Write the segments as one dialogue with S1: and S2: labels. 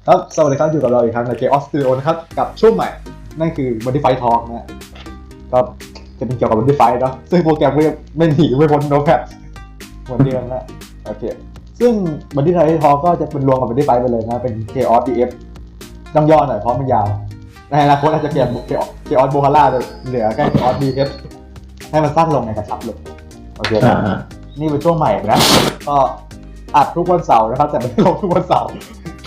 S1: ครับสวัสดีครับอยู่กับเราอีกครั้งใน Chaos Studio นะครับกับช่วงใหม่นั่นคือ Modify Talk นะก็จะเป็นเกี่ยวกับ Modify เนาะซึ่งโปรแกรมก็ไม่หนีไม่พ้น Notepad เหมือนเดิมนะโอเคซึ่ง Modify Talk ก็จะเป็นรวมกับ Modify ไปเลยนะเป็น Chaos DF ต้องย่อหน่อยเพราะมันยาวในอนาคตอาจจะเปลี่ยน Chaos Bohala เหลือแค่ Chaos DF ให้มันสั้นลงในกระชับลงโอเคนี่เป็นช่วงใหม่นะก็อัดทุกวันเสาร์นะครับแต่ไม่ลงทุกวันเสาร์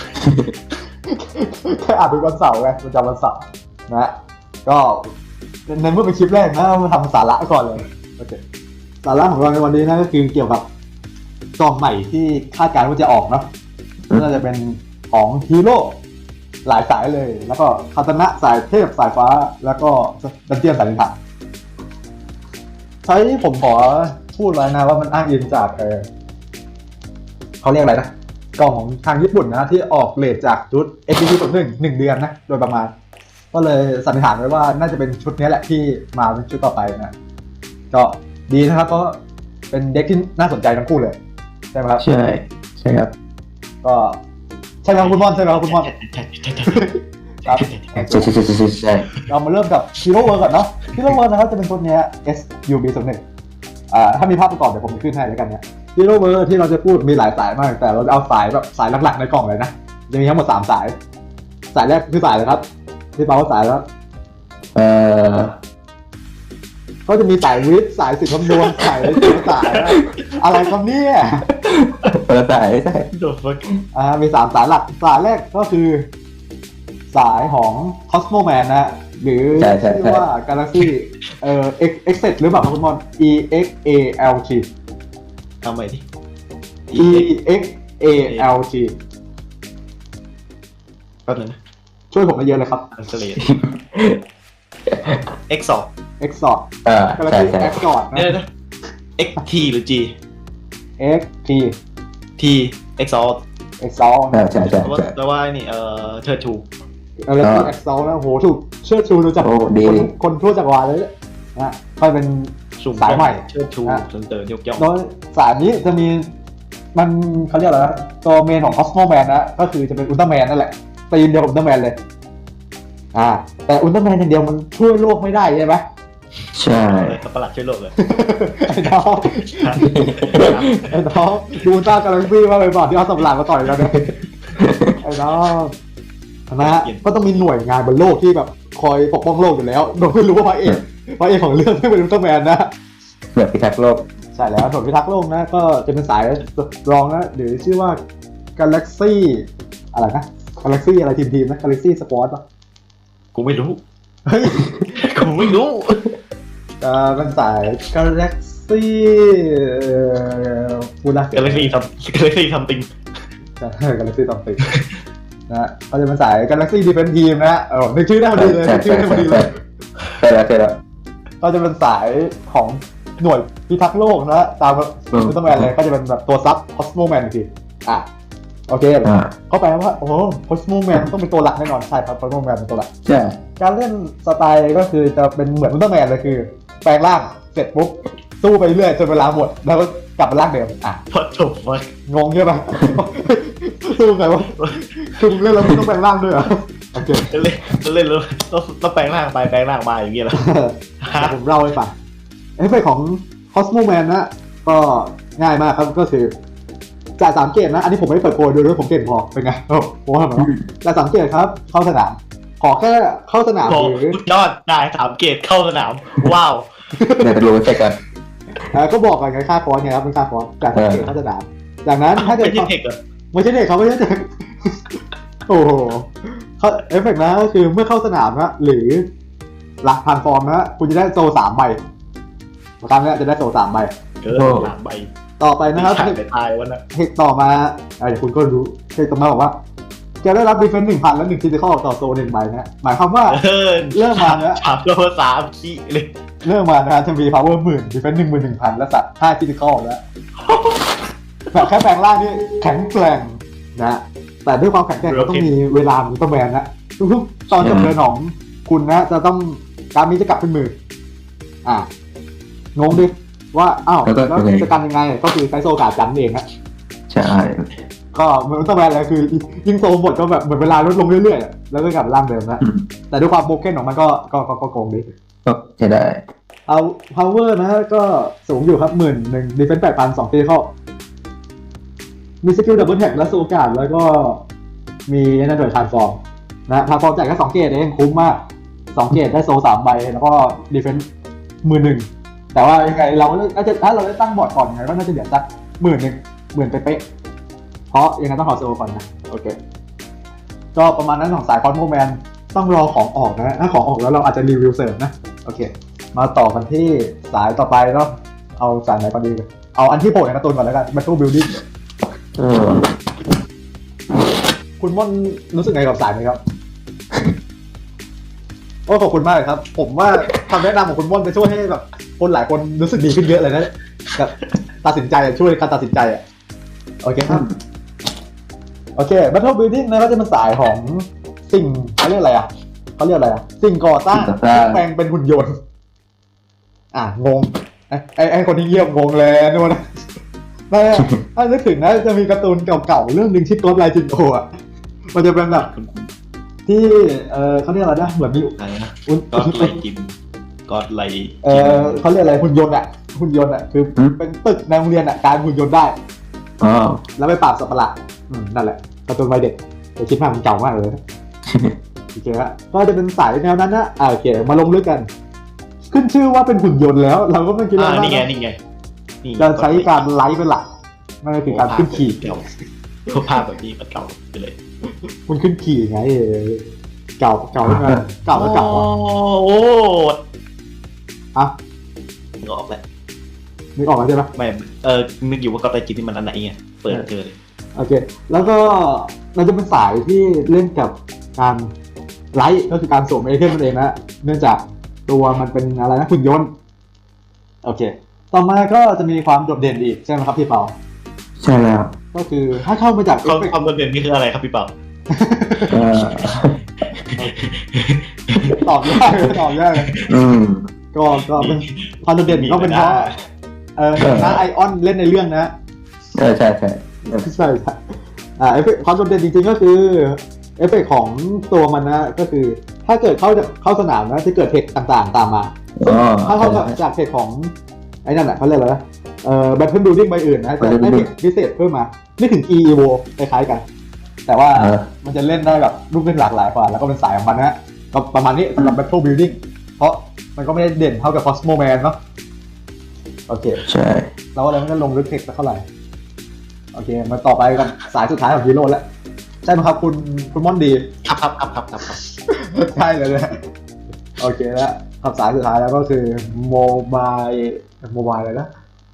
S1: แค่อัดทุกวันเสาร์ไงประจำวันเสาร์นะก็ในเมื่อเป็นคลิปแรกนะมาทำสาระก่อนเลยโอเคสาระของเราในวันนี้นะก็คือเกี่ยวกับกล่องใหม่ที่คาดการณ์ว่าจะออกเนาะน่าจะเป็นของฮีโร่หลายสายเลยแล้วก็คาตานะสายเทพสายฟ้าแล้วก็ดันเจียนสายลิงถังใช้ผมขอพูดไว้นะว่ามันอ้างอิงจากเขาเรียกอะไรนะกล่องของทางญี่ปุ่นนะที่ออกเลทจากชุด XP01 เดือนนะโดยประมาณก็เลยสันนิษฐานไว้ว่าน่าจะเป็นชุดนี้แหละที่มาเป็นชุดต่อไปนะก็ดีนะครับเพราะเป็นเด็กที่น่าสนใจทั้งคู่เลยใช่ไหมครับ
S2: ใช่ครับ
S1: ก็ใช่ครับคุณม่อนใช่ครับคุณม่อนครับ
S2: ใช่
S1: เรามาเริ่มกับฮีโร่เวิร์ก่อนเนาะฮีโร่เวิร์นะครับจะเป็นชุดนี้ SUB01ถ้ามีภาพประกอบเดี๋ยวผมขึ้นให้แล้วกันเนี่ยฮีโร่เวิร์ที่เราจะพูดมีหลายสายมากแต่เราจะเอาสายแบบสายหลักๆในกล่องเลยนะจะมีทั้งหมด3สายสายแรกคือสายอะไรครับที่เปาว่าสายแล้วก็จะมีสายวิทย์สายศิลป์คำนวณสายอะไรครับเนี่ย
S2: สายใช่
S1: มี3สายหลักสายแรกก็คือสายของ Cosmo Man นะหรือชื่อว่า Galaxy Exit หรือเปล่าครับคุณมอน EXALT
S3: ทำไมดิ
S1: EXALT
S3: แป๊บนึงนะ
S1: ช่วยผมได้เยอะเลยครับ
S3: Translate Exalt
S1: Exalt Galaxy Exalt
S3: นะ XT หรือ G
S1: XT
S3: T Exalt
S1: Exalt
S2: ใช่
S3: แปลว่านี่เชิดชู
S1: Galaxy Exalt นะโหถูกเชิดชูรู้จักคนทั่วจักรวาลเลยนะค่อยเป็นสายใหม่
S3: เชิดชูเสนอยกย่อง
S1: โดยสายนี้จะมีมันเขาเรียกอะไรนะตัวเมนของ Cosmo Man นะก็คือจะเป็นอุลตร้าแมนนั่นแหละตีมเดียวกับอุลตร้าแมนเลยแต่อุลตร้าแมนอย่างเดียวมันช่วยโลกไม่ได้ใช่ไหม
S2: ใช่
S3: ประหลาดช่วยโลกเลย
S1: ไอ้น้องดูอุลตร้ากาแล็กซี่ว่าไปบอกที่เอาสับหลังมาต่อยกันเลยไอ้น้องนะก็ต้องมีหน่วยงานบนโลกที่แบบคอยปกป้องโลกอยู่แล้วโดยไม่รู้ว่าพระเอกของเรื่องไม่เป็นอุลตร้าแมนนะ
S2: หน่วยพิทักษ์โลก
S1: ใช่แล้วหน่วยพิทักษ์โลกนะก็จะเป็นสายรองนะหรือชื่อว่า Galaxy อะไรนะ Galaxy อะไรทีมนะ Galaxy Squad ป่ะ
S3: กูไม่รู้
S1: เฮ้ย
S3: กูไม่รู้
S1: เป็นสาย Galaxy พูดละ
S3: Galaxy ทำติง
S1: ใช่ Galaxy ทำติงนะก็จะเป็นสาย Galaxy Defense Team นะนึกชื่อได้พอดีเลยชื่อได้พอดีเลย
S2: ใช่แล้ว
S1: ก็จะเป็นสายของหน่วยพิทักษ์โลกนะตามอุลตร้าแมนเลยก็จะเป็นแบบตัวซับ Cosmo Man ทีโอเคเขาแปลว่าโอ้โห Cosmo Man ต้องเป็นตัวหลักแน่นอนใช่ครับ Cosmo Man เป็นตัวหลัก
S2: ใช่
S1: การเล่นสไตล์ก็คือจะเป็นเหมือนอุลตร้าแมนเลยคือแปลงร่างเสร็จปุ๊บสู้ไปเรื่อยจนเวลาหมดแล้วก็กลับมาร่างเดิม
S3: พอจบวะ
S1: งงใช่ไหมสู้ไงวะคือเล่นแล้วไม่ต้องแปลงร่างด้วยเหรอโอเค
S3: เล่นแล้วต้องแปลงร่างไปแปลงร่างมาอย่างเงี้ยเหรอ
S1: ผมเล่าให้ฟังเอฟเฟกต์ของ Cosmo Man นะก็ง่ายมากครับก็คือจ่าย3เกตนะอันนี้ผมไม่ได้เปิดโปรดูด้วยผมเก่งพอเป็นไงผมว่าเหมือนจ่าย3เกตครับเข้าสนามขอแค่เข้าสนามหรื
S3: อยอดได้3เกตเข้าสนามว้าว
S2: เดี๋ยวจะรู้เอฟเฟกต์กัน
S1: ก็บอกกันไงค่าฟอนต์ไงครับเป็นค่าฟอนต์จ่าย3เกตเข้าสนามจากนั้นถ้าเกิด
S3: ไม่ใช่เทคเหรอ
S1: ไม่ใช่เทคเขาไม่ใช่เทคโอ้โหเอฟเฟกต์นะก็คือเมื่อเข้าสนามนะหรือหลักพันฟอร์มนะคุณจะได้โซ3ใบครั้งนี้จะได้โซ3ใบ
S3: 3ใบ
S1: ต่อไปนะครับ
S3: ตายวันน่ะ
S1: เทคต่อมาเดี๋ยวคุณก็รู้เทคต่อมาบอกว่าจะได้รับดีเฟนส์ 1,000 และ1 Critical ต่อโซ1ใบนะหมายความว่าเริ่มมานะ
S3: 3คีเลย
S1: เริ่มมานะจะมี power 10,000 defense 11,000 และ5 Critical แล้วแบบแค่แปลงร่างนี่แข็งแกร่งนะแต่ด้วยความแข็งแกร่งก็ต้องมีเวลาของตัวแมนนะทุกๆตอนจบเดินของคุณนะจะต้องการนี้จะกลับเป็น10,000งงดิว่าแล้วจะกันยังไงก็คือใช้โซกาจันเองฮะ
S2: ใช่
S1: ก็มันต้องแบนแล้วคือยิงโซมบทก็แบบเหมือนเวลาลดลงเรื่อยๆแล้วก็กลับร่างเดิมนะแต่ด้วยความโบเก้นของมันก็โกงดี
S2: ก็ใช้ได้
S1: เอา power นะก็สูงอยู่ครับ11,000 defense 8,000 2 critical มีสกิลดับเบิลแท็กและสูการแล้วก็มีนั่นด้วยทรานส์ฟอร์มนะทรานส์ฟอร์มจ่ายแค่2 เกตเองคุ้มมาก2 เกตได้โซ3 ใบแล้วก็ defense 11,000แต่ว่ายังไงเราถ้าเราได้ตั้งบอร์ดก่อนยังไงก็น่าจะเดือดสัก10,000เป๊ะๆเพราะยังไงต้องขอโซก่อนนะโอเคก็ประมาณนั้นของสายคอนโมแมนต้องรอของออกนะถ้าของออกแล้วเราอาจจะรีวิวเสริมนะโอเคมาต่อกันที่สายต่อไปเนาะเอาสายไหนก่อนดีเอาอันที่โผล่ในการ์ตูนก่อนแล้วกัน Battle Building คุณม่อนรู้สึกไงกับสายนี้ครับ โอ้ขอบคุณมากเลยครับ ผมว่าคำแนะนำของคุณม่อนจะช่วยให้แบบคนหลายคนรู้สึกดีขึ้นเยอะเลยนะกับตัดสินใจช่วยการตัดสินใจอ่ะโอเคครับโอเค Battle Building นะก็จะเป็นสายของสิ่งเขาเรียกอะไรอ่ะสิ่งก่อสร้างแปลงเป็นหุ่นยนต์งงไอ้คนที่เยี่ยมงงเลยนู่นนะถ้านึกถึงนะจะมีการ์ตูนเก่าๆเรื่องหนึ่งชื่อ God Like Jingo อ่ะมันจะเป็นแบบที่เขาเรียกอะไรนะเหมือนมี
S3: อะไรนะก็ไลจิมก็ไล
S1: เขาเรียกอะไรหุ่นยนต์อ่ะคือเป็นตึกในโรงเรียนอ่ะการหุ่นยนต์ได้แล้วไปปราบสัตว์ประหลาดนั่นแหละการ์ตูนวัยเด็กแต่คิดมากมันเก่ามากเลยโอเคฮะก็จะเป็นสายแนวนั้นนะโอเคมาลงลึกกันขึ้นชื่อว่าเป็นหุ่นยนต์แล้วเราก็ไม่คิดว่า
S3: นี่ไง
S1: จะใช้การไลฟ์เป็นหลักนั่นก็คือการขึ้นขี่
S3: ภาพแบบนี้มันเก่าไปเลย
S1: คุณขึ้นขี่ไงเก่าโอ้อะ
S3: นึกออกแล้ว
S1: ใช่ไหม
S3: ไม่นึกอยู่ว่าก็ไลจิมที่มันอันไหนไงเปิดเจอเลย
S1: โอเคแล้วก็มันจะเป็นสายที่เล่นกับการไลฟ์ก็คือการสวมไอเทมนั่นเองนะเนื่องจากตัวมันเป็นอะไรนะหุ่นยนต์โอเคต่อมาก็จะมีความโดดเด่นอีกใช่ไหมครับพี่เปา
S2: ใช่แล้ว
S1: ก็คือถ้าเข้ามาจาก
S3: ความโดดเด่นนี่คืออะไรครับพี่เปา
S1: ตอบยากเลยก็เป็นความโดดเด่นก็เป็นเพราะนะไอออนเล่นในเรื่องนะ
S2: ใช่
S1: เอฟเฟกต์ความโดดเด่นจริงๆก็คือเอฟเฟกต์ของตัวมันนะก็คือถ้าเกิดเข้าสนามนะจะเกิดเทคต่างๆตามมาถ้าเข้าจากเทคของไอ้นั่นแหละเขาเรียกอะไรนะBattle Building ใบอื่นนะจะได้เทคพิเศษเพิ่มมาไม่ถึง EVO คล้ายๆกันแต่ว่ามันจะเล่นได้แบบรูปเล่นหลากหลายกว่าแล้วก็เป็นสายของมันนะก็ประมาณนี้สำหรับ Battle Building เพราะมันก็ไม่ได้เด่นเท่ากับ Cosmo Man เนาะโอเค
S2: ใช่
S1: เราอะไรไม่ได้ลงลึกเทคเท่าไหร่โอเคมาต่อไปกันสายสุดท้ายของฮีโร่แล้วใช่ไหมครับคุณม่อนดี
S3: ครับ
S1: ใช่เลยนะโอเคแล้วคำสายสุดท้ายแล้วก็คือโมบายอะไรนะ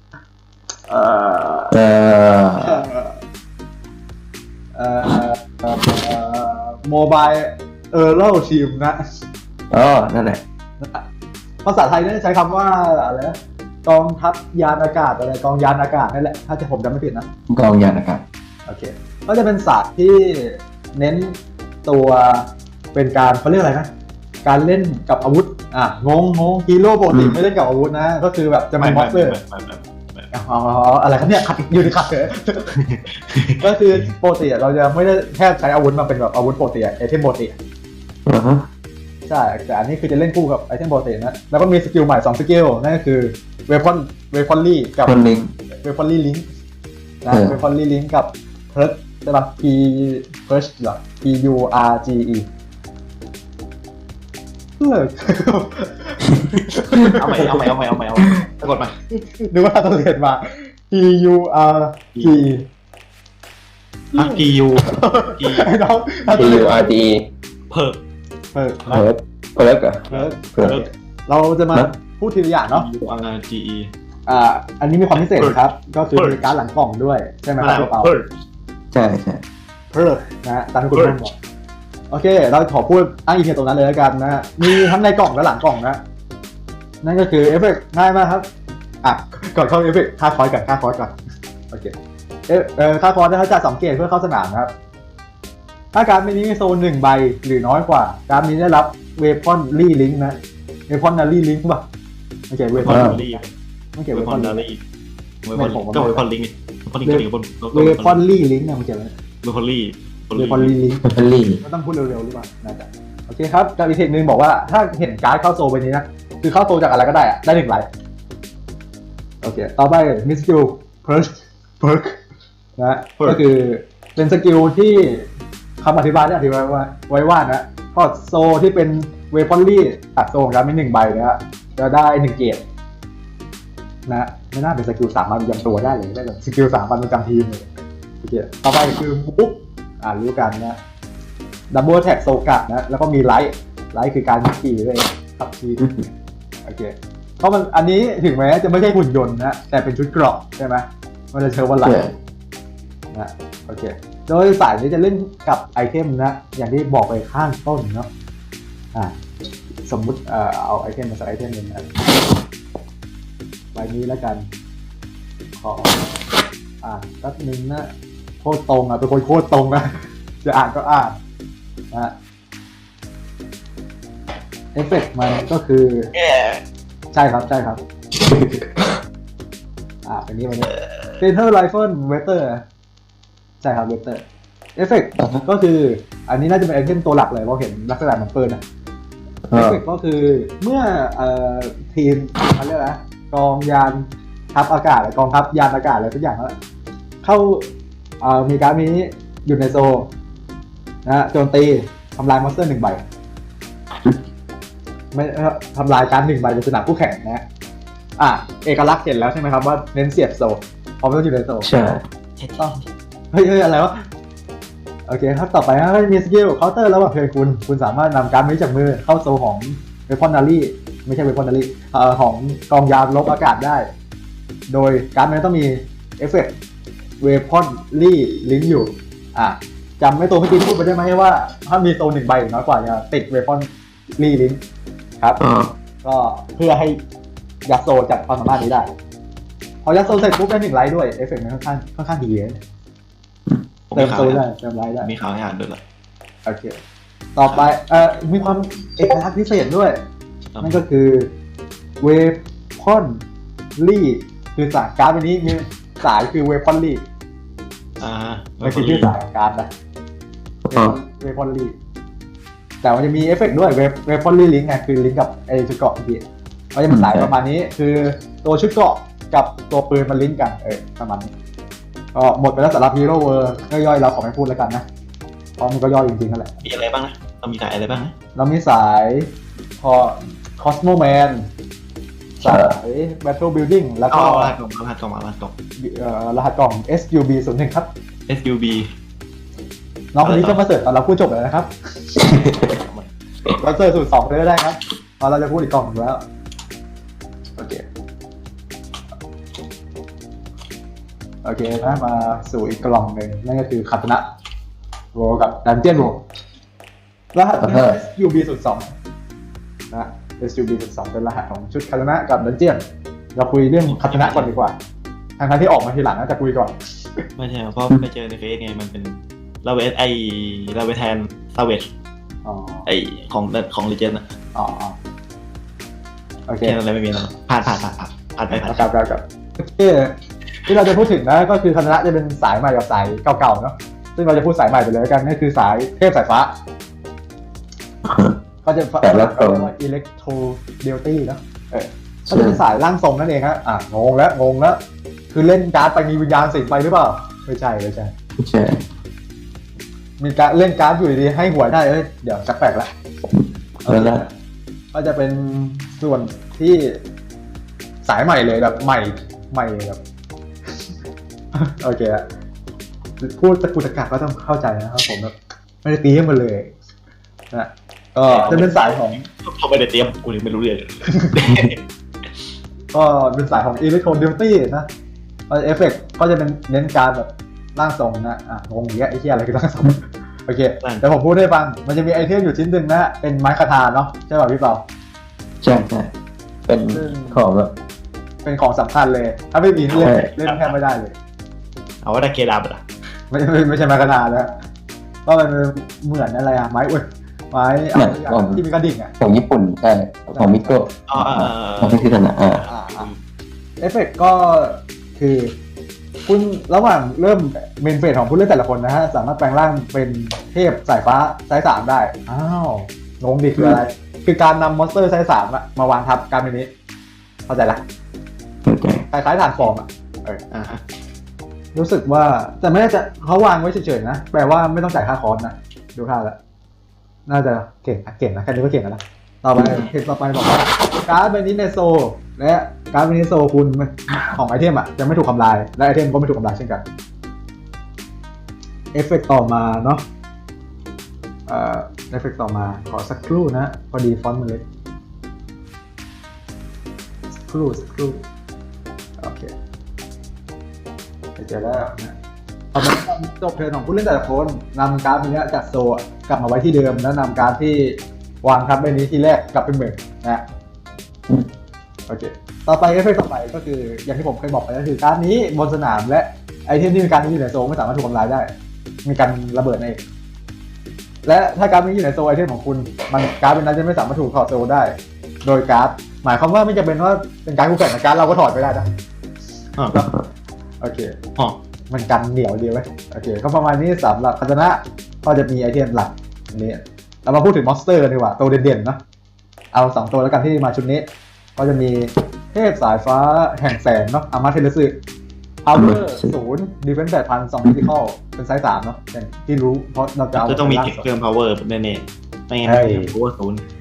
S1: โมบายเล่าทีมนะ
S2: นั่นแหละ
S1: ภาษาไทยเนี่ยใช้คำว่าอะไรนะกองทัพยานอากาศอะไรกองยานอากาศนั่นแหละถ้าจะผมจำไม่ผิดนะ
S2: กองยานอากาศ
S1: โอเคก็จะเป็นศาสตร์ที่เน้นตัวเป็นการเขาเรียกอะไรนะการเล่นกับอาวุธงงฮีโร่ปกติไม่เล่นกับอาวุธนะก็คือแบบจะมาบ็อกเซอร์อะไรครับเนี่ยขัดอยู่ในขัดเลยก็คือปกติเราจะไม่ได้แค่ใช้อาวุธมาเป็นแบบอาวุธปกติไอเทมปกติใช่แต่อันนี้คือจะเล่นคู่กับไอเทมปกตินะแล้วก็มีสกิลใหม่2สกิลนั่นก็คือเวพอนลี่กับเวพอนลี่ลิงก์นะเวพอนลี่ลิงก์กับเพิร์ชใช่ป่ะ Purge หรอ PURGE
S3: เอาใหม่สะกดมา
S1: นึกว่าต้องเรียนมา PURGEไอ้น้อง
S2: PURGE
S3: เพิร์
S2: ก
S1: เราจะมาพูดทีละอย่างเนาะ
S3: PURGE
S1: อันนี้มีความพิเศษครับก็คือมีการ์ดหลังกล่องด้วยใช่ไหมครับพี่เปา
S2: ใช่
S1: เพิร์ชนะตามที่คุณพูดบอกโอเคเราขอพูดอ้างอิงตรงนั้นเลยแล้วกันนะมีทั้งในกล่องและหลังกล่องนะนั่นก็คือเอฟเฟกต์ง่ายมากครับก่อนเข้าเอฟเฟกต์ค่าคอร์สก่อนโอเคค่าคอร์สเขาจะ2 เกตเพื่อเข้าสนามนะครับถ้าการ์ดนี้มีโซน1 ใบหรือน้อยกว่าการ์ดนี้ได้รับเวพอนลี่ลิงก์นะเวพอนนาลี่ลิงก์ป่ะโอเคเวพอนนาลี่
S3: เวพอนนาลี่ก็เวพอนลิงก์พอลี่ก็ดีบน
S1: เวพอนลี่ลิงก์เนี่ยมันเกี่ยวอะไร
S3: พอลี่
S1: เวพอนลี่ลิงก์
S2: พัลลี่
S1: ก็ต้องพูดเร็วๆหรือเปล่าน่าจะโอเคครับกับอีกเทคนึงบอกว่าถ้าเห็นการ์ดเข้าโซไปนี้นะคือเข้าโซจากอะไรก็ได้อะได้1 ไลท์โอเคต่อไปมิสกิลเพิร์กนะก็คือเป็นสกิลที่คำอธิบายได้อธิบายว่านะพอโซที่เป็นเวพอนลี่ตัดโซของการเป็น1 ใบนะฮะจะได้1 เกรดนะไม่น่าเป็นสกิล3 วันประจำตัวได้เลยได้แบบสกิล3 วันประจำทีมเลยโอเคต่อไปคือบุ๊กรู้กันนะดับเบิลแท็กโซกัดนะแล้วก็มีไลท์คือการขี่เลยขับขี่โอเคเพราะมันอันนี้ถึงแม้จะไม่ใช่หุ่นยนต์นะแต่เป็นชุดเกราะใช่ไหมมันจะเชื่อว่าไลท์นะโอเคโดยสายนี้จะเล่นกับไอเทมนะอย่างที่บอกไปข้างต้นเนาะสมมุติเอาไอเทมมาสักไอเทมหนึ่งนะใบนี้แล้วกันขอแป๊บนึงนะโคตรตรงเป็นคนโคตรตรงนะจะอ่านก็อ่านนะเอฟเฟกต์มันก็คือใช่ครับเป็นนี้เทนเทอร์ไรเฟิลเวเตอร์ใช่ครับเวเตอร์เอฟเฟกต์ก็คืออันนี้น่าจะเป็นไอเทมตัวหลักเลยเพราะเห็นลักษณะมันเปิดเอฟเฟกต์ก็คือเมื่อทีมเขาเรียกอะไรกองยานทัพอากาศหรือกองทัพยานอากาศอะไรทุกอย่างแล้วเข้ามีการนี้อยู่ในโซนะโจมตีทำลายมอนสเตอร์ 1 ใบไม่ทำลายการ1 ใบบนสนามคู่แข่งนะเอกลักษณ์เห็นแล้วใช่ไหมครับว่าเน้นเสียบโซเพราะมันต้องอยู่ในโซ
S2: ใช่
S1: ต้องเฮ้ยอะไรวะโอเคครับต่อไปนะก็มีสกิลเคาน์เตอร์แล้วว่าเพลคุณสามารถนำการ์ดนี้จากมือเข้าโซของเวพอนนารีไม่ใช่เวพอนนารีของกองยานลบอากาศได้โดยการ์ดนี้ต้องมีเอฟเฟกต์เวพอนลี่ลิงก์อยู่จำไม่ตัวเมื่อกี้พูดไปได้ไหมว่าถ้ามีโซ1 ใบหรือน้อยกว่าจะติดเวพอนลี่ลิงก์ครับก็เพื่อให้ยัดโซจัดความสามารถนี้ได้พอยัดโซเสร็จปุ๊บได้1 ไลท์ด้วยเอฟเฟกต์มันค่อนข้างดีเลยเติมโซได้เติมไลท์ได้
S3: มีข่าวให้อ่านด้วยเหรอ
S1: โอเคต่อไปมีความเอกลักษณ์พิเศษด้วยนั่นก็คือเวพอนลี่คือสายการ์ดวันนี้มีสายคือเวพอนลี่ไม่ใช่ชื่อสายการ์ดนะเวพอนลี่แต่มันจะมีเอฟเฟกต์ด้วยเวพอนลี่ลิงก์ไงคือลิงก์กับไอชุดเกราะเมื่อกี้เขาจะเป็นสายประมาณนี้คือตัวชุดเกราะกับตัวปืนมันลิงก์กันประมาณนี้ก็หมดไปแล้วสำหรับฮีโร่เวอร์ย่อยๆเราขอไม่พูดแล้วกันนะเพราะมันก็ย่อยจริงๆนั่นแหละ
S3: มีอะไรบ้างนะเรามีสายอะไรบ้างนะ
S1: เรามีสายคอสโมแมนสาย Battle Building แล้วก็
S3: รหัสกล่องรหัสก
S1: ล่อง SUB01 ครับ
S3: SUB
S1: น้องคนนี้ก็มาเสิร์ฟตอนเราพูดจบเลยนะครับเราเสิร์ฟสูตร2เลยก็ได้ครับพอเราจะพูดอีกกล่องนึงแล้วโอเคนะมาสู่อีกกล่องหนึ่งนั่นก็คือคาตนะโวกับดันเจียนโวรหัส SUB02 นะ SUB02 เป็นรหัสของชุดคาตนะกับดันเจียนเราคุยเรื่องคาตนะก่อนดีกว่าทางที่ออกมาทีหลังน่าจะคุยก่อน
S3: ไม่ใช่เพราะไปเจอในเฟซไงมันเป็นเราไปแทนซาเวจของลีเจนด์โอเคอะไรไม่มีแล้วผ่านไป
S1: กับที่เราจะพูดถึงนะก็คือคาตนะจะเป็นสายใหม่กับสายเก่าๆเนาะซึ่งเราจะพูดสายใหม่ไปเลยกันนั่นคือสายเทพสายฟ้าก็จะเรียกว่าอิเล็กโทรเดลตี้เนาะก็จะเป็นสายร่างทรงนั่นเองฮะงงแล้วคือเล่นการ์ดไปมีวิญญาณสิงไปหรือเปล่าไม่ใช่มีการเล่นการ์ดอยู่ดีๆให้หวยได้เดี๋ยวจักแปลกละก็จะเป็นส่วนที่สายใหม่เลยแบบใหม่แบบโอเคพูดตะกุกตะกักก็ต้องเข้าใจนะครับผมแบบไม่ได้เตรียมมาเลยนะก็จะเป็นสายของ
S3: เขาไม่ได้เตรียมกูยังไม่รู้เรื่อง
S1: ก็เป็นสายของ Electro Duty นะเอฟเฟกต์ก็จะเป็นเน้นการแบบร่างทรงนะงงอย่างเงี้ยไอ้เหี้ยอะไรคือร่างทรงโอเคเดี๋ยวผมพูดให้ฟังมันจะมีไอเทมอยู่ชิ้นหนึ่งนะเป็นไม้คาถาเนาะใช่ป่ะพี่เปา
S2: ใช่เป็นของแบบ
S1: เป็นของสำคัญเลยถ้าไม่มีเล่นแทบไม่ได้เลย
S3: เอาว่าได้เกดาบอ่ะ
S1: ไม่ใช่ไม้คาถาแล้วก็มันเหมือนอะไรไม้ที่มีกระดิ่ง
S2: ของญี่ปุ่นใช่ของมิโกะของพิธีนะ
S1: เอฟเฟกต์ก็คือคุณระหว่างเริ่มเมนเฟสของผู้เล่นแต่ละคนนะฮะสามารถแปลงร่างเป็นเทพสายฟ้าไซส์3ได้อ้าวงงดิคืออะไรคือการนำมอนสเตอร์ไซส์3อะมาวางทับการเป็นนี้เข้าใจละ
S2: เข้าใจ
S1: คล้ายๆฐานฟอร์มอะ
S3: ฮะ
S1: รู้สึกว่าแต่ไม่ได้จะเขาวางไว้เฉยๆนะแปลว่าไม่ต้องจ่ายค่าคอร์สนะดูท่าแล้วน่าจะเก่งนะแค่นี้ก็เก่งแล้วนะต่อไปเทคต่อไปบอกว่าการ์ดใบนี้ในโซและการ์ดใบนี้โซคุณของไอเทมอ่ะจะไม่ถูกทำลายและไอเทมก็ไม่ถูกทำลายเช่นกันเอฟเฟกต์ต่อมาเนาะเอฟเฟกต์ต่อมาขอสักครู่นะพอดีฟอนต์มันเล็กสักครู่โอเคเจอแล้วนะเอามาจบเทิร์นของผู้เล่นแต่ละคนนำการ์ดนี้จากโซกลับมาไว้ที่เดิมแล้วนำการ์ดที่วางทับใบนี้ที่แรกกลับเป็นเหมือนนะโอเคต่อไปเอฟเฟกต์ต่อไปก็คืออย่างที่ผมเคยบอกไปก็คือการ์ดนี้บนสนามและไอเทมที่มีการ์ดนี้อยู่ในโซไม่สามารถถูกทำลายได้มีการระเบิดในและถ้าการ์ดนี้อยู่ในโซไอเทมของคุณมันการ์ดเป็นนั้นจะไม่สามารถถูกถอดโซได้โดยการ์ดหมายความว่าไม่จำเป็นว่าเป็นการ์ดคู่แข่งแต่การ์ดเราก็ถอดไปได้นะโอเคมันกันเหนียวดีไว้โอเคก็ประมาณนี้สำหรับพัฒนะก็จะมีไอเทมหลักนี้เรามาพูดถึงมอนสเตอร์กันดีกว่าตัวเด่นๆเนาะเอา2ตัวแล้วกันที่มาชุดนี้ก็จะมีเทพสายฟ้าแห่งแสงเนาะอามาเทเลสึPower 0 Defense 8,000 2 Physical เป็นไซส์3เนาะอย่างที่รู้เพราะเราจะเอา
S3: ต้องมีเก็บเพิ่ม power แน่ๆไม่งั้น power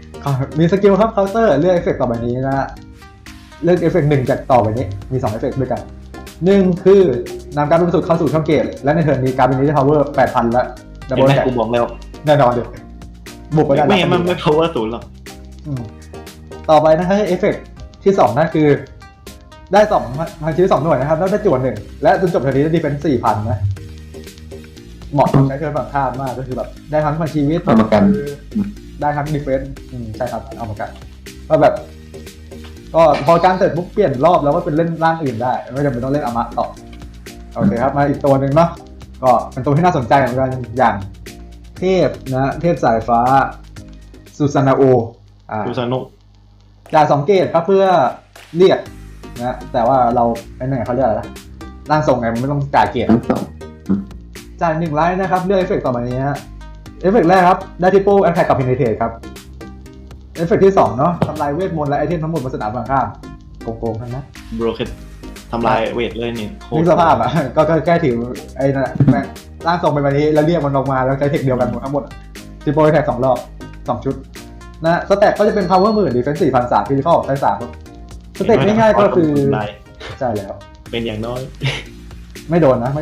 S3: 0
S1: มีสกิลครับเคาน์เตอร์เลือกเอฟเฟกต์ต่อไปนี้นะเลือกเอฟเฟกต์1จากต่อไปนี้มี2เอฟเฟกต์ด้วยกัน1คือนำการเป็นสุดเข้าสู่ช่องเกตและในเทิร์นนี้การเป็นนี้ได้ power 8,000 และดับเบิลแท็ก
S3: กูบอกแล้ว
S1: แน่นอนเดี๋ยวบุกไปได้
S3: ไม่งั้นมันไม่ power 0หรอก
S1: ต่อไปนะครับเอฟเฟกต์ที่2นั่นคือได้2พันชิ้น2หน่วยนะครับแล้วได้จวน1และจนจบเทิร์นนี้ได้ดีเฟนส์ 4,000 นะเหมาะกับใช้เทิร์นฝั่งข้ามมากก็คือแบบได้ทั้งพันชีวิตได้ทั้งดีเฟนส์ใช่ครับเอามากันก็แบบก็พอการเสร็จปุ๊บเปลี่ยนรอบแล้วก็เป็นเล่นร่างอื่นได้ไม่จำเป็นต้องเล่นอมะต่อโอเคครับมาอีกตัวหนึ่งเนาะก็เป็นตัวที่น่าสนใจเหมือนกันอย่างเทพนะเทพสายฟ้าซูซานาโอ
S3: ซูซาโนะ
S1: จ่าย2เกตครับเพื่อเรียกนะแต่ว่าเราไอ้นี่เขาเรียกอะไรนะร่างทรงไงมันไม่ต้องจ่ายเกตจ่าย1ไลท์นะครับเลือกเอฟเฟกต์ต่อมานี้ฮะเอฟเฟกต์แรกครับได้ทิปเปิลแอทแทคกับเพเนเทรตครับเอฟเฟกต์ที่2เนาะทำลายเวทมนต์และไอเทมทั้งหมดบนสนามฝั่งข้ามโกงๆทั้งนั้น
S3: บรอเคนทำลายเวทเลยนี่
S1: นึกสภาพอ่ะก็แก้ถือไอ้นั่นร่างทรงไปแบบนี้แล้วเรียกมันออกมาแล้วใช้เทคเดียวกันหมดทั้งหมดทิปเปิลแอทแทค2รอบ2ชุดนะสแต็กก็จะเป็น power 10,000 defense 4,300 physical ใช้3สเต็ปง่ายๆก็คือใช่แล้ว
S3: เป็นอย่างน้อย
S1: ไม่โดนนะ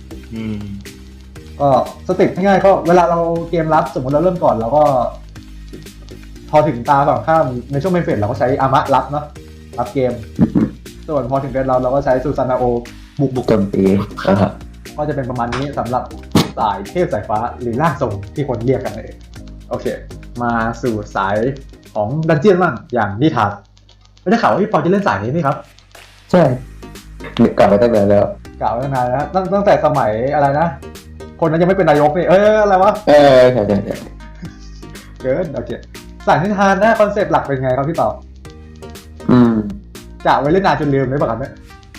S1: ก็สเต็ปง่ายๆก็เวลาเราเกมรับสมมติเราเริ่มก่อนเราก็พอถึงตาฝั่งข้ามในช่วงเมนเฟสเราก็ใช้อามะรับเนาะรับเกมส่วนพอถึงเฟสเราก็ใช้ซูซานาโอบุก
S2: โจมตี
S1: ก็จะเป็นประมาณนี้สำหรับสายเทพสายฟ้าหรือร่างทรงที่คนเรียกกันเองโอเคมาสู่สายของดันเจี้ยนบ้างอย่างนิทานไม่ได้ข่าวว่าพี่ปอจะเล่นสายนี้นี่ครับ
S2: ใช่กล่าวไว้ตั้งนานแล้ว
S1: ตั้งแต่สมัยอะไรนะคนนั้นยังไม่เป็นนายกนี่อะไรวะ
S2: ใช่
S1: เกินโอเคสายนิทานนะคอนเซ็ปต์หลักเป็นไงครับพี่ต่อจะไว้เล่นนานจนลืมไม่ปะครับเนี่ย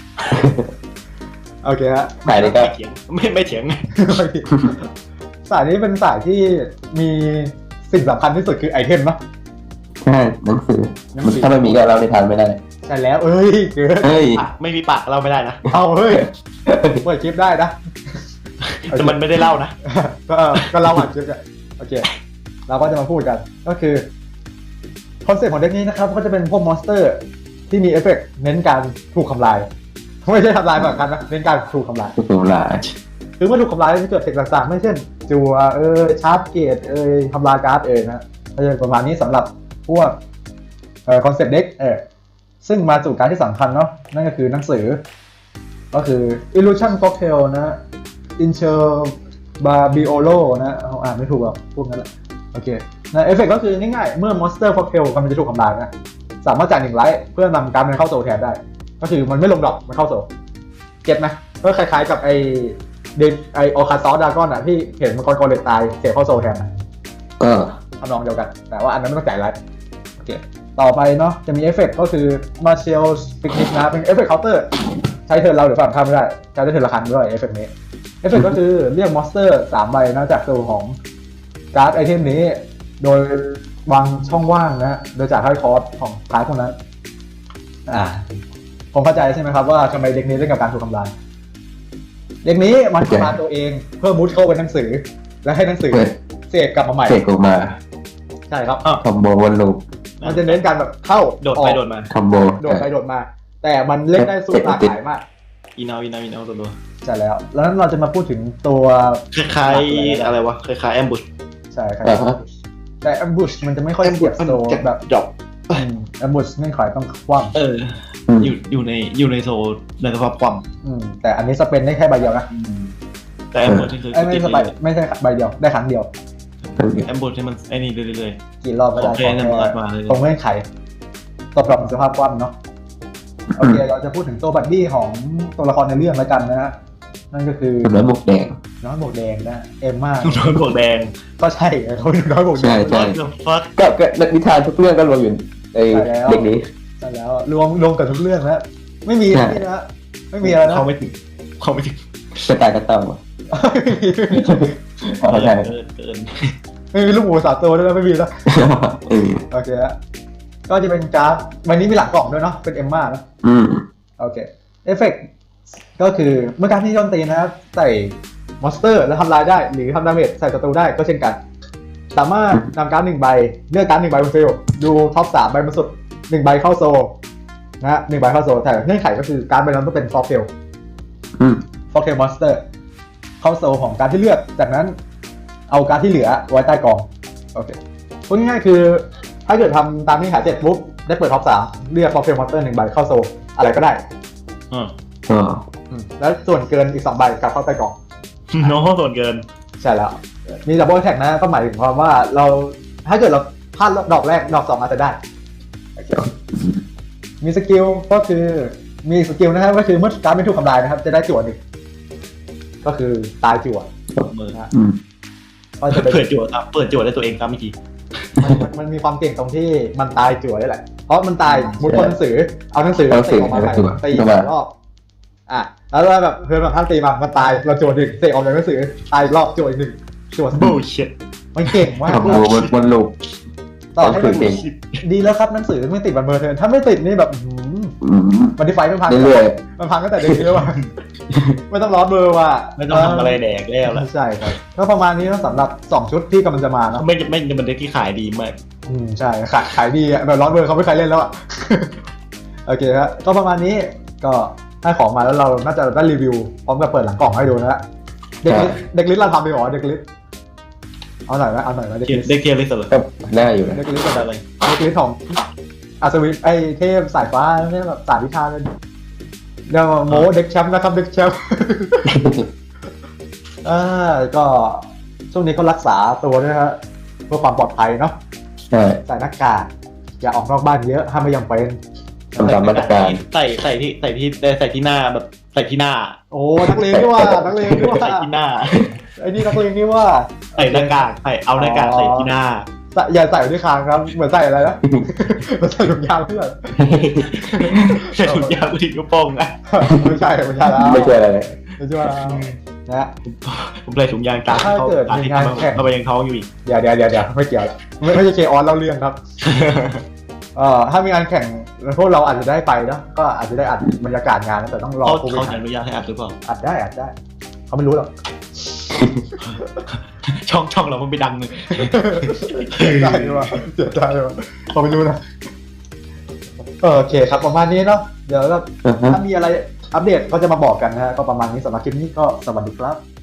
S1: โอเคฮะ
S2: สายนี้ก็
S3: ไม่เถียง
S1: สายนี้เป็นสายที่มีสิ่งสำคัญที่สุดคือไอเทมเนาะ
S2: ใช่หนังสือถ้าไม่มีก็เราในทานไม่ได้
S1: ใช่แล้วเกิน
S3: ไม่มีปากเราไม่ได้นะ
S1: เอาเปิดคลิปได้นะ
S3: แต่มันไม่ได้เล่านะ
S1: ก็เล่าอัดคลิปกันโอเคเราก็จะมาพูดกันก็คือคอนเซ็ปต์ของเด็กนี้นะครับก็จะเป็นพวกมอนสเตอร์ที่มีเอฟเฟกต์เน้นการถูกทำลายไม่ใช่ทำลายแบบกันนะเน้นการถูกทำลายคือเมื่อถูกทำลายจะเกิดเทคต่างๆไม่เช่นจัวชาร์จเกตทำลายการ์ดนะก็จะประมาณนี้สำหรับพวกคอนเซ็ปต์เด็กซึ่งมาสู่การที่สำคัญเนาะนั่นก็คือหนังสือก็คือ Illusion Cocktail นะ Interbabbiolo นะอ่านไม่ถูกหรอกพวกนั้นแหละโอเคนะเอฟเฟกต์ก็คือง่ายๆเมื่อ Monster Cocktail กำลังจะถูกทำลายนะสามารถจ่าย1ไลท์เพื่อนำการ์ดมันเข้าโซลแทนได้ก็คือมันไม่ลงดรอปมันเข้าโซลเก็ตไหมก็คล้ายๆกับไอออคาซอสดากอนอ่ะที่เห็นมังกรคอเลตตายเสียเข้าโซลแทนทำนองเดียวกันแต่ว่าอันนั้นไม่ต้องจ่ายไลท์โอเคต่อไปเนาะจะมีเอฟเฟกต์ก็คือ Martial Picnic นะเป็นเอฟเฟกต์เคาน์เตอร์ใช้เทิร์นเราหรือฝั่งข้ามไม่ได้ใช้ได้เทิร์นละครั้งด้วยเอฟเฟกต์นี้เอฟเฟกต์ก็คือเรียกมอนสเตอร์3 ใบนะจากตัวของการ์ดไอเทมนี้โดยวางช่องว่างนะโดยจากให้คอร์สของคลาสพวกนั้นผมเข้าใจใช่ไหมครับว่าทำไมเด็กนี้เล่นกับการถูกทำลายเด็กนี้มันทำลายตัวเองเพื่อมุดเข้าไปหนังสือและให้หนังสือเสกกลับมาใหม่
S2: เสกออกมา
S1: ใช่ครับ
S2: คอมโบวนลูป
S1: มันจะเน้นการแบบเข้า
S3: โดดไปโดดมา
S2: คอมโบ
S1: โดดไปโดดมา แต่มันเล่นได้สู้หลากหลายมาก
S3: อีนาวตัว
S1: ใช่แล้วนั้นเราจะมาพูดถึงตัว
S3: คล้ายๆอะไรวะคล้ายๆแอมบุช
S1: ใช่ครับแต่แอมบูชมันจะไม่ค่อยเสียบโซแบบ
S3: ดรอป
S1: แอมบูชเงื่อนไขต้องคว่
S3: อยู่ในโซนในสภาพความ
S1: ำแต่อันนี้สเปนได้แค่ใบเดียวนะ
S3: แต่แอมบุชนี่คือ
S1: ไม่ใช่ไม่ใช่ใบเดียวได้ครั้งเดียว
S3: แอมบุชที่มันไอ้นี่เรื่อย
S1: กี่รอบก็ได้
S3: โอเคนั่นมันมาเลย
S1: ตรงเงื่อนไขตอบรับสภาพคว่ำเนาะโอเคเราจะพูดถึงตัวบัดดี้ของตัวละครในเรื่องแล้วกันนะฮะนั่นก็คือ
S2: น้อยหมวกแดง
S1: น้อยหมวกแดงนะเอมม่า
S3: ๆโดนบวกแดง
S1: ก็ใช่เขาเป็นน้อยหมวกแดง
S2: ใช่
S3: ฟัก
S2: ก็นิทานทุกเรื่องก็รวมอยู่ในเด็กนี้
S1: ใช่แล้วรวมกับทุกเรื่องแล้วไม่มีอะไรนะไม่มีอะไรนะ
S3: เขาไม่ถึง
S2: กระต่ายกระเต่า
S3: เกิน
S1: ไม่มีลูกหมู3 ตัวด้วยนะไม่มีแล้วโอเคฮะก็จะเป็นการ์ดวันนี้มีหลังกล่องด้วยเนาะเป็นเอมม่านะโอเคเอฟเฟกต์ก็คือเมื่อการที่โจมตีนะครับใส่มอนสเตอร์แล้วทำลายได้หรือทำดาเมจใส่ศัตรูได้ก็เช่นกันสามารถนำการ์ด1 ใบเลือกการ์ด1 ใบบนฟิลดูท็อป3 ใบบนสุด1 ใบเข้าโซนะฮะ1 ใบเข้าโซแต่เงื่อนไขก็คือการ์ดใบนั้นต้องเป็นฟอร์เทลมอนสเตอร์เข้าโซของการ์ดที่เลือกจากนั้นเอาการ์ดที่เหลือไว้ใต้กองโอเคพูดง่ายๆคือถ้าเกิดทำตามที่หา7ปุ๊บได้เปิดท็อป3เลือกฟอร์เทลมอนสเตอร์1 ใบเข้าโซอะไรก็ได้แล้วส่วนเกินอีก2 ใบกลับเข้าใต้กล่อง
S3: น้องส่วนเกิน
S1: ใช่แล้ว มีดับเบิลแท็กนะก็หมายถึงความว่าเราถ้าเกิดเราพลาดดอกแรกดอก2อาจจะได้ มีสกิลก็คือมีสกิลนะครับก็คือเมื่อการไม่ถูกทำลายนะครับจะได้จั่ว1ก็คือตายจั่ว
S3: มือ
S1: ก็จะเป็น
S3: เปิดจั่วได้ตัวเองครับเมื่อกี้
S1: มันมีความเก่งตรงที่มันตายจั่วได้แหละเพราะมันตายมุดบนหนังสือเอาหนังสือเตะออกมาตี2 รอบแล้วแบบเพื่อนแบบท่านตีมามันตายเราจั่ว1เตะออกจากหนังสือตายรอบจั่วอีก1จั่ว
S3: bullshit
S1: มันเก่งมาก
S2: คอมโบวนลูป
S1: ต่อให้มันดีแล้วครับหนังสือไม่ติดบันเบอร์เทิร์นถ้าไม่ติดนี่แบบมันที่ไฟมันพังมันพังตั้งแต่เด็กเลยว่ะไม่ต้องร้อนเบอร์ว่ะ
S3: ไม่ต้องทำอะไรแดกแล้วล่ะ
S1: ใช่ครับก็ประมาณนี้สำหรับ2 ชุดที่กำลังจะมาเนาะ
S3: ไม่มันเด็กที่ขายดีมาก
S1: ใช่ขายดีแบบร้อนเบอร์เขาไม่เคยเล่นแล้วอ่ะโอเคครับก็ประมาณนี้ก็ให้ของมาแล้วเราน่าจะได้รีวิวพร้อมกับเปิดหลังกล่องให้ดูนะเด็กลิสเราทำไปหรอเด็กลิสเอาหน่อยไหมเด็กลิส
S3: เด็กเทียร์เลยสุดเลย
S2: ก็น่าอยู่นะ
S1: เด็กลิสเป็นอะไรเด็กลิสของอัศวินไอเทพสายฟ้าเนี่ยแบบสายวิชาเลยเดี๋ยวโมเด็กแชมป์นะครับเด็กแชมป์ก็ช่วงนี้ก็รักษาตัวด้วยนะฮะเพื่อความปลอดภัยเนาะ
S2: ใช่
S1: ใส่หน้ากากอย่าออกนอกบ้านเยอะถ้าไม่ยังเป็น
S2: ทำตามมาตรการ
S3: ใส่ที่หน้าแบบใส่ที่หน้า
S1: โอ้นักเลงนี่ว่านักเลงนี่ว่า
S3: ใส่ที่หน้า
S1: ไอ้นี่นักเลงนี่ว่า
S3: ใส่หน้ากากเอาหน้ากากใส่ที่หน้า
S1: อย่าใส่ด้วยคางครับเหมือนใส่อะไรนะเหมือนใส่ถุงยางเพื่อน
S3: ใส่ถุงยางผู้หญิงกระโปรงนะ
S1: ไม่ใช่แล้ว
S2: ไม่ใช่อะไร
S1: ไม่ใช่แล้วนะ
S3: ผมใส่ถุงยางตา
S1: ถ้าเกิดมีงานแข่ง
S3: เข้าไปยังท้องอยู่อีก
S1: เดี๋ยวไม่เกี่ยวแล้วไม่ใช่เคออนเล่าเรื่องครับถ้ามีงานแข่งพวกเราอาจจะได้ไปนะก็อาจจะได้อัดบรรยากาศงานนะแต่ต้องรอ
S3: เขาอนุญาตให้อัดหรือเปล่า
S1: อัดได้เขาไม่รู้หรอก
S3: ช่องเรามันไปดังเลย
S1: ได้ด้วยว่ะเสียใจว่ะเขาไม่รู้นะโอเคครับประมาณนี้เนาะเดี๋ยวถ้ามีอะไรอัปเดตก็จะมาบอกกันนะฮะก็ประมาณนี้สำหรับคลิปนี้ก็สวัสดีครับ